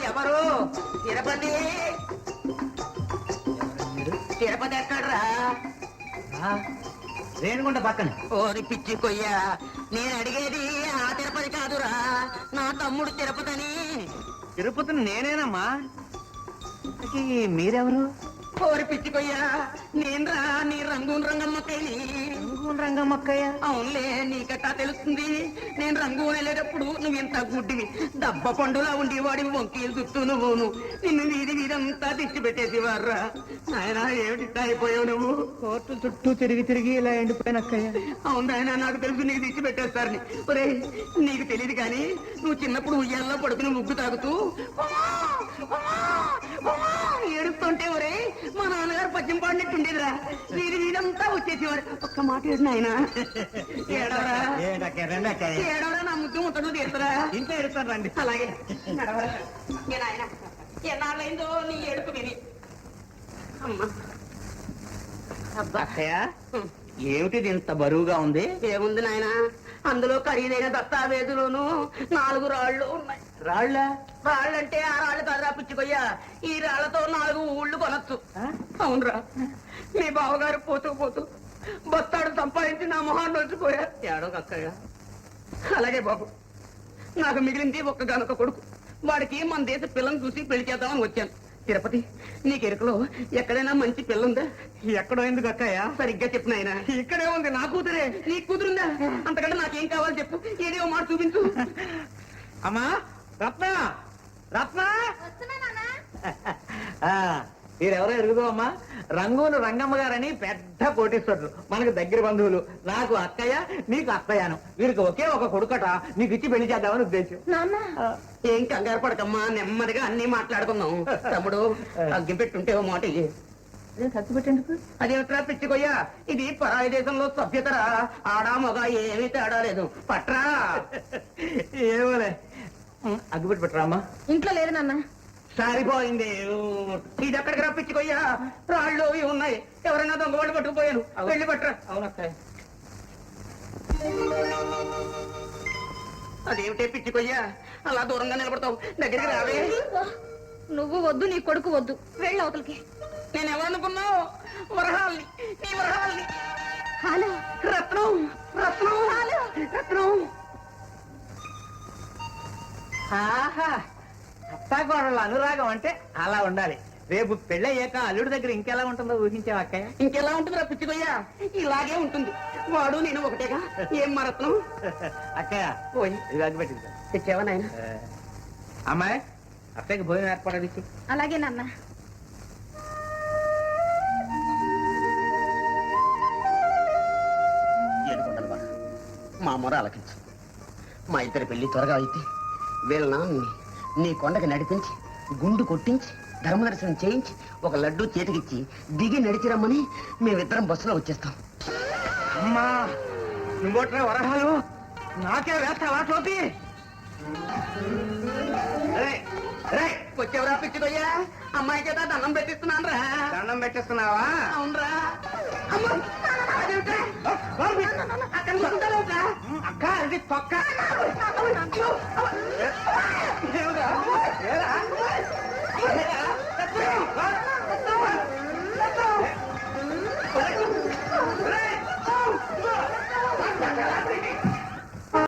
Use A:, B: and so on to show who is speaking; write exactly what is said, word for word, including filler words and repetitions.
A: ఎవరు తిరుపతి తిరుపతి ఎక్కడ్రా?
B: రేణుగుంట పక్కన.
A: ఓరి పిచ్చి కొయ్య, నేను అడిగేది ఆ తిరుపతి కాదురా, నా తమ్ముడు తిరుపతి అని.
B: తిరుపతిని నేనేనమ్మా. మీరెవరు?
A: ఓరి పిచ్చి కొయ్య, నేనురా నీ రంగూన్ రంగమ్మక్కయ్యని.
B: రంగూన్ రంగమ్మక్కయ్య?
A: అవునులే, నీకట్టా తెలుస్తుంది. నేను రంగూన్ వెళ్ళేటప్పుడు నువ్వు ఇంత గుడ్డివి, దబ్బ పండులా ఉండేవాడివి, వంకీలు చుట్టూ నువ్వును. నిన్ను వీధి వీధంతా తెచ్చి పెట్టేసేవారురా. ఆయన ఏమిటి అయిపోయావు నువ్వు?
B: కోర్టు చుట్టూ తిరిగి తిరిగి ఇలా ఎండిపోయిన అక్కయ్య.
A: అవును ఆయన, నాకు తెలుసు నీకు తెచ్చి పెట్టేస్తారని. ఒరే నీకు తెలియదు కానీ నువ్వు చిన్నప్పుడు ఉయ్యాల్లో పడుకుని ముగ్గు తాగుతూ ఏడుస్తుంటే ఒరే మా నాన్నగారు పద్యం పాడినట్టుండేదిరా. వీధి వీధంతా వచ్చేసేవారు. ఒక్క మాట ఏడు నాయన, ఏడవరా ఏడవరా, నా ముద్దు ముట్టడు తీరుతారా?
B: ఇంట్లో ఎడుతాను రండి.
A: అలాగే నడవరా. ఏ నాయన, ఎన్నాళ్ళైందో నీ ఏడుపు విని. అమ్మా
B: అక్కయ్య, ఏమిటిది ఇంత బరువుగా ఉంది?
A: ఏముంది నాయన, అందులో ఖరీదైన దస్తావేజులోను నాలుగు రాళ్లు ఉన్నాయి.
B: రాళ్ళ?
A: రాళ్ళంటే ఆ రాళ్ళు కదరా పిచ్చిపోయ్యా, ఈ రాళ్లతో నాలుగు ఊళ్ళు కొనొచ్చు. అవునరా, మీ బావగారు పోతూ పోతూ బస్తాడు సంపాదించి నా మొహాన్ని వచ్చిపోయారు. ఏడో అక్కయ్య. అలాగే బాబు, నాకు మిగిలింది ఒక్క గనక కొడుకు. వాడికి మన దేశ పిల్లని చూసి పెళ్లి చేద్దామని వచ్చాను. తిరుపతి, నీకు ఎరుకలో ఎక్కడైనా మంచి పిల్ల ఉందా?
B: ఎక్కడో ఎందుకు అక్కయ్య?
A: సరిగ్గా చెప్పు నాయన.
B: ఇక్కడే ఉంది, నా కూతురే.
A: నీ కూతురుందా? అంతకంటే నాకేం కావాలి చెప్పు, ఏదో మాట చూపించు.
B: అమ్మా రత్న, రత్న, మీరెవరో ఎరుగుదో అమ్మా. రంగూను రంగమ్మ గారని పెద్ద కోటీశ్వరులు, మనకు దగ్గర బంధువులు. నాకు అక్కయ్య, నీకు అత్తయ్యను. వీరికి ఒకే ఒక కొడుకట, నీకు ఇచ్చి పెళ్లి చేద్దామని ఉద్దేశం.
A: ఏం కంగారు పడకమ్మా, నెమ్మదిగా అన్ని మాట్లాడుకుందాం. తమ్ముడు అగ్గి పెట్టుంటే ఓ మాట ఇయ్యి.
B: ఖర్చు పెట్టేందుకు?
A: అదేమిట్రా పిచ్చికొయ్యా, ఇది పరాయి దేశంలో సభ్యతరా. ఆడా మగ ఏమీ తేడా లేదు, పట్రా.
B: ఏమోలే, అగ్గిపెట్టి పెట్టరా అమ్మా.
C: ఇంట్లో లేదు నాన్న.
A: సరిపోయింది. ఇది ఎక్కడికి రా పిచ్చికొయ్యా, రాళ్ళు ఇవి ఉన్నాయి. ఎవరైనా దొంగ వాళ్ళు పట్టుకుపోయాను, వెళ్ళి పట్టరా.
B: అవునక్క.
A: అదేమిటే పిచ్చికొయ్యా, అలా దూరంగా నిలబడతావు, దగ్గరికి రావే.
C: నువ్వు వద్దు, నీ కొడుకు వద్దు, వెళ్ళి అవతలకి.
A: నేను ఎవరనుకున్నావు? వరహాల్ని, నీ వరహాల్ని.
C: హలో
A: రత్నం, రత్నం, రత్నం.
B: ఆహా, అత్తాకోడళ్ళ అనురాగం అంటే అలా ఉండాలి. రేపు పెళ్ళయ్యాక అల్లుడి దగ్గర ఇంకెలా ఉంటుందో ఊహించావు అక్కయ్య?
A: ఇంకెలా ఉంటుంది రా పిచ్చికొయ్యా, ఇలాగే ఉంటుంది. వాడు నేను ఒకటేగా. ఏం మా రత్నం?
B: అక్కయ్య
A: పోయి
B: ఇది అగ్గిపెట్టింది.
A: తెచ్చావా నాయన?
B: అమ్మాయి, అత్తయ్యకి భోజనం ఏర్పడది.
C: అలాగే నాన్న.
A: మా మొర ఆలకించు. మా ఇద్దరి పెళ్లి త్వరగా అయితే వీళ్ళ నాన్నని నీ కొండకి నడిపించి గుండు కొట్టించి ధర్మదర్శనం చేయించి ఒక లడ్డూ చేతికిచ్చి దిగి నడిచి రమ్మని మేమిద్దరం బస్సులో వచ్చేస్తాం.
B: అమ్మా, నువ్వట్రా వరహాలు నాకే వేస్తావా టోపీ?
A: వచ్చేవరా పిచ్చిదయ్యా, అమ్మాయి చేత దండం పెట్టిస్తున్నాను రా.
B: దండం పెట్టిస్తున్నావా?
A: అవునరా.
B: అక్క, అది తొక్క.
A: దేవుడా